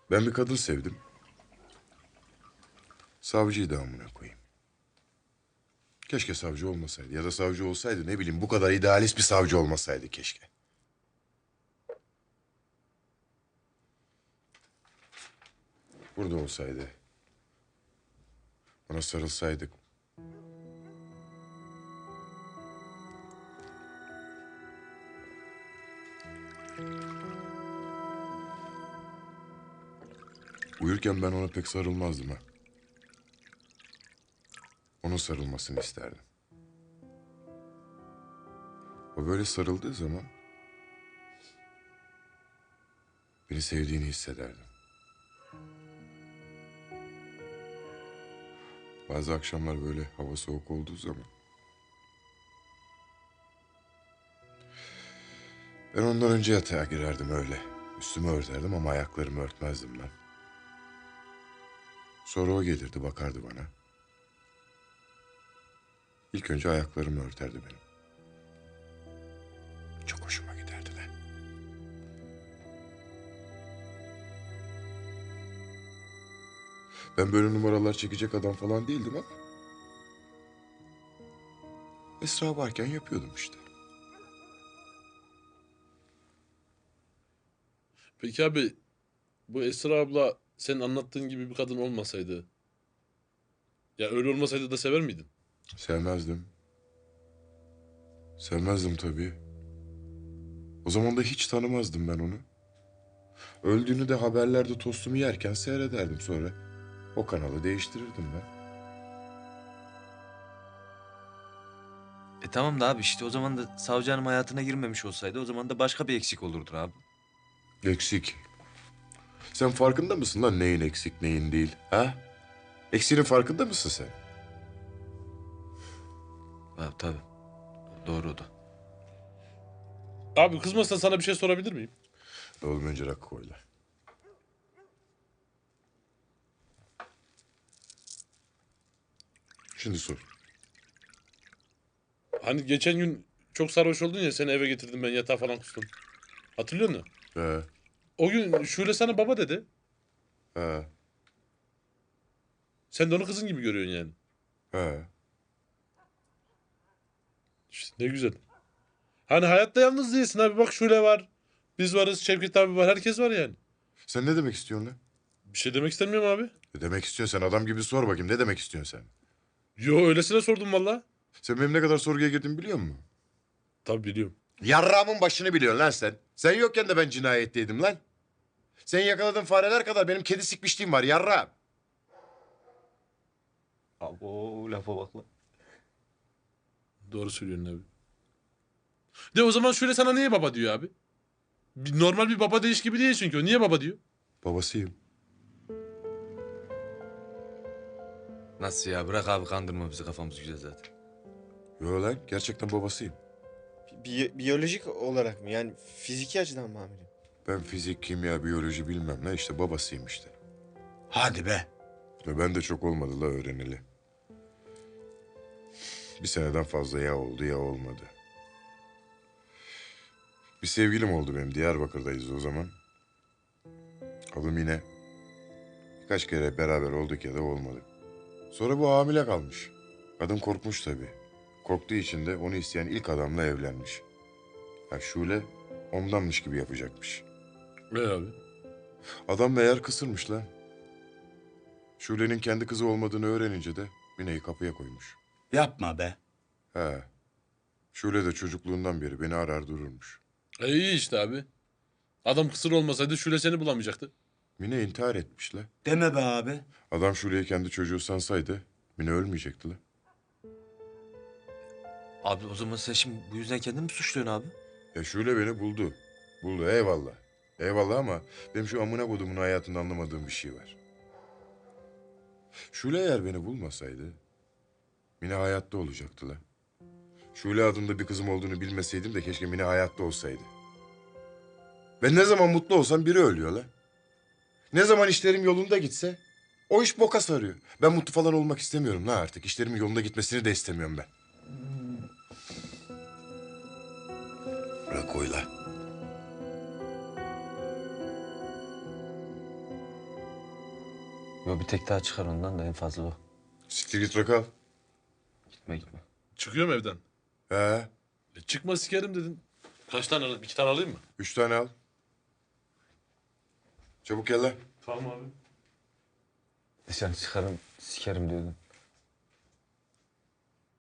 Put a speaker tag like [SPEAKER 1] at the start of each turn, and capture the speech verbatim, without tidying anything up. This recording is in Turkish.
[SPEAKER 1] Ben bir kadın sevdim. Savcıyı da amına koyayım. Keşke savcı olmasaydı ya da savcı olsaydı ne bileyim bu kadar idealist bir savcı olmasaydı keşke. Burada olsaydı. Ona sarılsaydık. Uyurken ben ona pek sarılmazdım ha. Onun sarılmasını isterdim. O böyle sarıldığı zaman beni sevdiğini hissederdim. Bazı akşamlar böyle hava soğuk olduğu zaman ben ondan önce yatağa girerdim öyle. Üstümü örterdim ama ayaklarımı örtmezdim ben. Sonra o gelirdi bakardı bana. İlk önce ayaklarımı örterdi benim. Çok hoşuma giderdi de. Ben böyle numaralar çekecek adam falan değildim ama Esra varken yapıyordum işte.
[SPEAKER 2] Peki abi bu Esra abla senin anlattığın gibi bir kadın olmasaydı, ya öyle olmasaydı da sever miydin?
[SPEAKER 1] Sevmezdim. Sevmezdim tabii. O zaman da hiç tanımazdım ben onu. Öldüğünü de haberlerde tostumu yerken seyrederdim sonra. O kanalı değiştirirdim ben.
[SPEAKER 3] E tamam da abi işte o zaman da savcı hanım hayatına girmemiş olsaydı o zaman da başka bir eksik olurdu abi.
[SPEAKER 1] Eksik. Sen farkında mısın lan neyin eksik neyin değil? Ha? Eksiğinin farkında mısın sen?
[SPEAKER 3] Ha, tabii. Doğru o da.
[SPEAKER 2] Abi kızmazsan sana bir şey sorabilir miyim?
[SPEAKER 1] Oğlum önce rakı koy lan. Şimdi sor.
[SPEAKER 2] Hani geçen gün çok sarhoş oldun ya, seni eve getirdim ben, yatağa falan kustum. Hatırlıyor musun?
[SPEAKER 1] He,
[SPEAKER 2] O gün Şule sana baba dedi.
[SPEAKER 1] he,
[SPEAKER 2] Sen de onu kızın gibi görüyorsun yani.
[SPEAKER 1] he.
[SPEAKER 2] İşte ne güzel. Hani hayatta yalnız değilsin abi, bak Şule var. Biz varız, Şevket abi var, herkes var yani.
[SPEAKER 1] Sen ne demek istiyorsun lan?
[SPEAKER 2] Bir şey demek istemiyorum abi.
[SPEAKER 1] Ne demek istiyorsun sen? Adam gibi sor bakayım. Ne demek istiyorsun sen?
[SPEAKER 2] Yo, öylesine sordum valla.
[SPEAKER 1] Sen benim ne kadar sorguya girdiğimi biliyor musun?
[SPEAKER 2] Tabii biliyorum.
[SPEAKER 1] Yarrağımın başını biliyorsun lan sen. Sen yokken de ben cinayetteydim lan. Sen yakaladığın fareler kadar benim kedi sikmişliğim var yarrağım.
[SPEAKER 3] Abo lafa bak lan.
[SPEAKER 2] Doğru söylüyorsun abi. De o zaman Şule sana niye baba diyor abi? Bir- Normal bir baba değiş gibi değil çünkü o. Niye baba diyor?
[SPEAKER 1] Babasıyım.
[SPEAKER 3] Nasıl ya, bırak abi kandırma bizi, kafamız güzel zaten.
[SPEAKER 1] Yo lan gerçekten babasıyım.
[SPEAKER 4] Biyo- biyolojik olarak mı? Yani fiziki açıdan mı amirim?
[SPEAKER 1] Ben fizik, kimya, biyoloji bilmem ne işte babasıyım işte.
[SPEAKER 4] Hadi be.
[SPEAKER 1] Ve ben de çok olmadı la öğreneli. Bir seneden fazla ya oldu ya olmadı. Bir sevgilim oldu benim. Diyarbakır'dayız o zaman. Adı Mine. Birkaç kere beraber olduk ya da olmadı. Sonra bu hamile kalmış. Kadın korkmuş tabii. Korktuğu için de onu isteyen ilk adamla evlenmiş. Ya Şule ondanmış gibi yapacakmış.
[SPEAKER 2] Ne abi?
[SPEAKER 1] Adam meğer kısırmış lan. Şule'nin kendi kızı olmadığını öğrenince de Mine'yi kapıya koymuş.
[SPEAKER 5] Yapma be.
[SPEAKER 1] He. Şule de çocukluğundan beri beni arar dururmuş.
[SPEAKER 2] E iyi işte abi. Adam kısır olmasaydı Şule seni bulamayacaktı.
[SPEAKER 1] Mine intihar etmiş la.
[SPEAKER 5] Deme be abi.
[SPEAKER 1] Adam Şule'yi kendi çocuğu sansaydı Mine ölmeyecekti la.
[SPEAKER 3] Abi o zaman sen şimdi bu yüzden kendini mi suçluyorsun abi?
[SPEAKER 1] Ya Şule beni buldu. Buldu eyvallah. Eyvallah ama benim şu amına kodumun hayatında anlamadığım bir şey var. Şule eğer beni bulmasaydı Mine hayatta olacaktı la. Şule adında bir kızım olduğunu bilmeseydim de keşke Mine hayatta olsaydı. Ben ne zaman mutlu olsam biri ölüyor la. Ne zaman işlerim yolunda gitse o iş boka sarıyor. Ben mutlu falan olmak istemiyorum la artık. İşlerimin yolunda gitmesini de istemiyorum ben. Bırak koy la.
[SPEAKER 3] Yo bir tek daha çıkar ondan da en fazla o.
[SPEAKER 1] Siktir git Rakal.
[SPEAKER 3] Gitme gitme.
[SPEAKER 2] Çıkıyorum evden.
[SPEAKER 1] He.
[SPEAKER 2] E çıkma sikerim dedin. Kaç tane alayım? İki tane alayım mı?
[SPEAKER 1] Üç tane al. Çabuk gel lan.
[SPEAKER 2] Tamam abi.
[SPEAKER 3] Dışarı çıkarım sikerim diyordun.